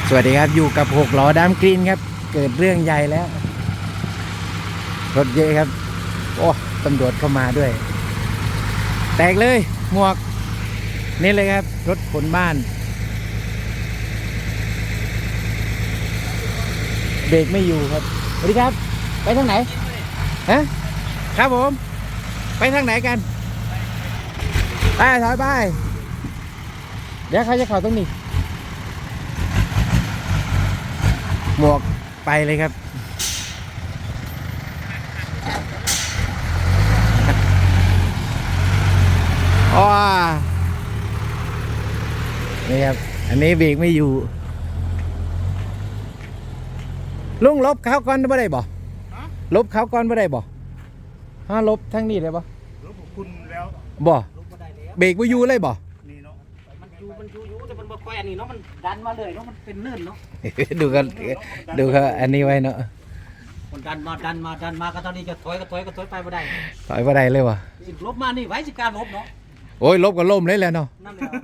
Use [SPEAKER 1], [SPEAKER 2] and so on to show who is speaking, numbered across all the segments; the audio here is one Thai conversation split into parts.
[SPEAKER 1] สวัสดีครับอยู่กับ6 ล้อดามกรีนครับเกิดเรื่องใหญ่แล้วรถเยอะครับโอ้ตำรวจเข้ามาด้วยแตกเลยหมวกนี่เลยครับรถขนบ้านเบรกไม่อยู่ครับสวัสดีครับไปทางไหนฮะครับผมไปทางไหนกันไปถอยไปเดี๋ยวใครจะเข้าตรงนี้หมวกไปเลยครับอ๋อนี่ครับอันนี้เบรกไม่อยู่ลุงลบเขาก่อนไม่ได้บ่ลบเขาก่อนไม่ได้บ่ฮะลบทั้งนี้เลยบ่
[SPEAKER 2] ลบคุณแล้ว
[SPEAKER 1] บ่เบรกไม่อยู่เลยบ่
[SPEAKER 2] นี่เนาะ
[SPEAKER 3] มันอยู่แต่มันบ่ค่อยอันนี้เนาะมันดันมาเลยเนาะมันเป็นเลื่อนเนาะ
[SPEAKER 1] ดูกันอันนี้ไว้เนาะ
[SPEAKER 3] มันดันมาก็ตอนนี้จะถอยไปบ่ได้
[SPEAKER 1] ถอยบ่ได้เลยวะ
[SPEAKER 3] ลบมานี่ไว้สิการลบเนาะ
[SPEAKER 1] โอ้ยลบก็ล่มเลยแล้วเนาะ
[SPEAKER 3] นั่นแหละ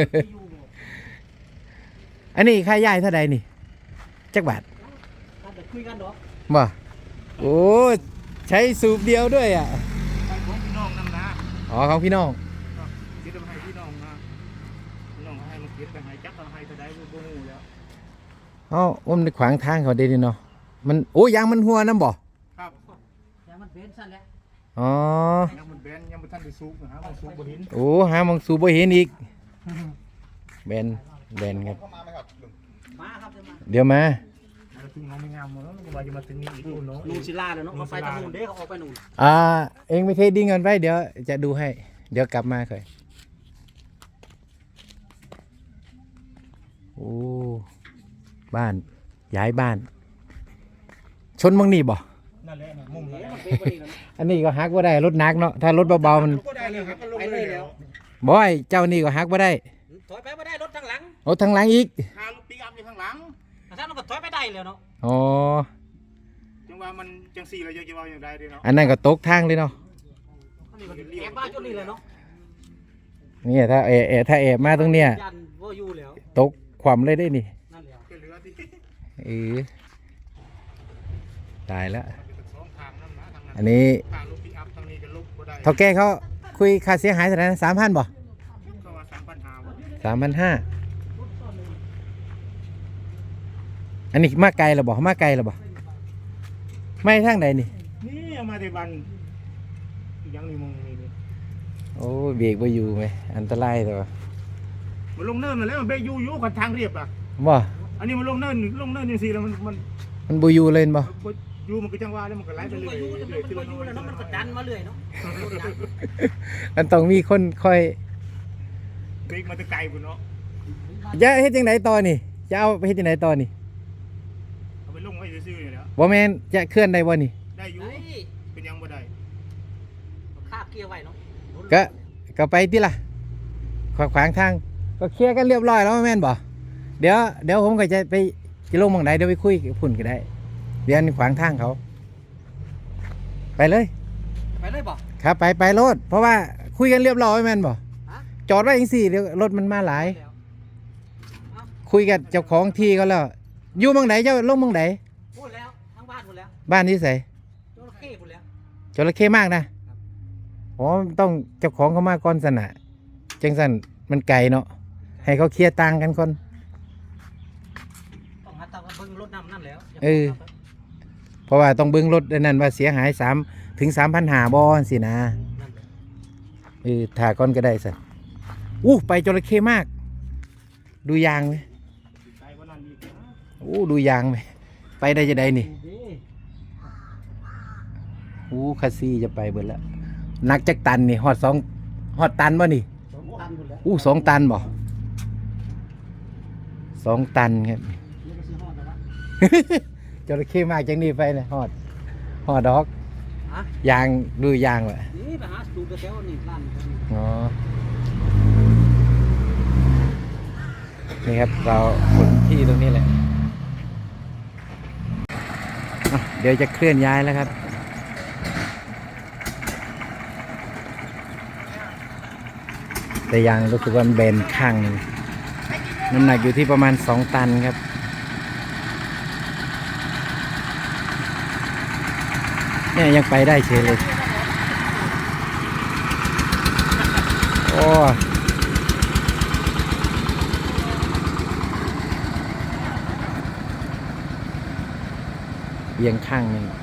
[SPEAKER 1] อันนี้ค่าย่ายเท่าใดนี่จักบาท
[SPEAKER 3] คุยกันเนาะ
[SPEAKER 1] บ่โอ้ใช้สูบเดียวด้วยอ่ะ
[SPEAKER 2] ของพี่น้องนั่นนะ
[SPEAKER 1] อ๋อของพี่น้อง
[SPEAKER 2] คิดว่าให้พี่น้องนะพี่น้องให้มันคิดไปให้จักให้เท่าใดบ่ฮู้แล้ว
[SPEAKER 1] มันขวางทางเขาดีเนาะมันโอ้ยางมันหัวน้ำบ่
[SPEAKER 2] ครับ
[SPEAKER 3] ยางมันเบนซั่นแหละ
[SPEAKER 1] อ๋อย
[SPEAKER 2] างมันเบนยังบ่ทันได้สูบนะฮะมันสูบบ่เห็น
[SPEAKER 1] โอ้หามองสูบบ่เห็นอีกเบนครับ
[SPEAKER 3] มาครับ
[SPEAKER 1] เดี๋ยวมา
[SPEAKER 2] ถึงน้องไม่งามแล้วก็ว่าจะมาถึงนี่อีกเนาะ
[SPEAKER 3] นูศิลาเนาะเขาไปทางนู้นเด้เขาออกไปนู่น
[SPEAKER 1] เองไม่เคยดิ้งกันไว้เดี๋ยวจะดูให้เดี๋ยวกลับมาค่อยโอ้บ้านย้ายบ้านชนมังนี่บ่
[SPEAKER 2] นั่นแหละมุมนั่น
[SPEAKER 1] อันนี้ก็ฮักว่าได้รถนักเนาะถ้ารถเบาๆมัน
[SPEAKER 3] ไปเลยแล้ว
[SPEAKER 1] บ่อยเจ้านี่ก็ฮักว่าได้
[SPEAKER 3] ถอยไปบ่ได้รถทางหลัง
[SPEAKER 1] รถทางหลังอีก
[SPEAKER 2] พาลูกปิกอัพอยู่ข้างหลัง
[SPEAKER 3] ถ้ามันก็ถอยไปได้แล้วเนาะ
[SPEAKER 1] อ๋อ
[SPEAKER 2] จังว่ามันจังซี่แล้วจะว่าอย่างใดเด้เนาะ
[SPEAKER 1] อันนั้นก็ตกทางเลยเนาะ
[SPEAKER 3] แอบบ้านจนนี่เลยเนาะ
[SPEAKER 1] นี่ถ้าแอบมาตรงเนี้ยตกความเลยได้นี่ตายแล้วอันนี้เท่าแก่เขาคุยค่าเสียหายเท่าไหร่นะ3,000บ่3,500อันนี้มาไกลหรือบ่ไม่ทางใดนี่
[SPEAKER 2] เอามาที่บ้านยังนี่มองนี่
[SPEAKER 1] โอ้เบรกบ่อยู่ไหมอันตรายแต่ว่า
[SPEAKER 2] มันลงเนินมาแล้วมันเบรกอยู่กับทางเรียบอ่ะ
[SPEAKER 1] บ่
[SPEAKER 2] อันนี้มันลงเนินอย่างซี่แล้ว
[SPEAKER 1] มันบ่อยู่เลยบ่
[SPEAKER 2] อยู่มันก็จังว่าแล้วมันก็ไหลไปเรื่อย
[SPEAKER 3] ๆมันก็ดันมาเรื่อยเนาะ
[SPEAKER 1] มันต้องมีคนคอย
[SPEAKER 2] เบรกมาแต่ไกลพุ่นเนาะ
[SPEAKER 1] จะเฮ็ดจังไดต่อนี่จะเอาไปเฮ็ดจังไดต่อนี่
[SPEAKER 2] เอาไปลงไว้ซื่อๆนี่แหละ
[SPEAKER 1] บ่แม่นจะเคลื่อนได้บ่นี่
[SPEAKER 2] ได้อยู่เป็นยังบ่ได้
[SPEAKER 3] คาบเกียร์ไว้เนาะ
[SPEAKER 1] ก็ไปติล่ะขวางทางก็เคลียร์กันเรียบร้อยแล้วแม่นบ่เดี๋ยวผมก็จะไปลงหม้องใดเดี๋ยวไปคุยกับพุ่นก็ได้เดี๋ยวขวางทางเขาไปเลย
[SPEAKER 3] บ่
[SPEAKER 1] ครับไปรถเพราะว่าคุยกันเรียบร้อยแม่นบ่จอดไว้จังซี่เดี๋ยวรถมันมาหลายคุยกับเจ้าของที่เขาแล้วอยู่หม้องใดเจ้าลงหม้องใด
[SPEAKER 3] พูดแล้วทั้งบ้านพูดแล้ว
[SPEAKER 1] บ้านที่ไส
[SPEAKER 3] จระเข้พูดแล้ว
[SPEAKER 1] จระเข้มากนะอ๋อต้องเจ้าของเขามาก่อนสนะจังสันมันไกลเนาะให้เขาเคลียร์ตังกันก่อน
[SPEAKER 3] ต้องหาตังค์เบิ่งรถน้ำนั่นแล้ว
[SPEAKER 1] เพราะว่าต้องเบิ่งรถนั่นว่าเสียหาย3 ถึง 3,500บ่สินะถ่าก่อนก็ได้สิไปจระเข้มากดูยางไหมดูยางไหมไปได้จะได้นี่คาซี่จะไปเบิดแล้วนักจักตันนี่ฮอดตันบ่นี่2 ตันบ่2 ตันครับจระเข้มากจังนี่ไปนะฮอดดอกยางดูยางว่ะ
[SPEAKER 3] นี่ไปหาสูบแถวนี่ร้าน
[SPEAKER 1] อ๋อนี่ครับเราคนที่ตรงนี้แหละเดี๋ยวจะเคลื่อนย้ายแล้วครับแต่ยังรู้สึกว่าเบนข้างน้ำหนักอยู่ที่ประมาณ2 ตันครับเนี่ยยังไปได้เฉยเลย โอ้เอียงข้างหนึ่ง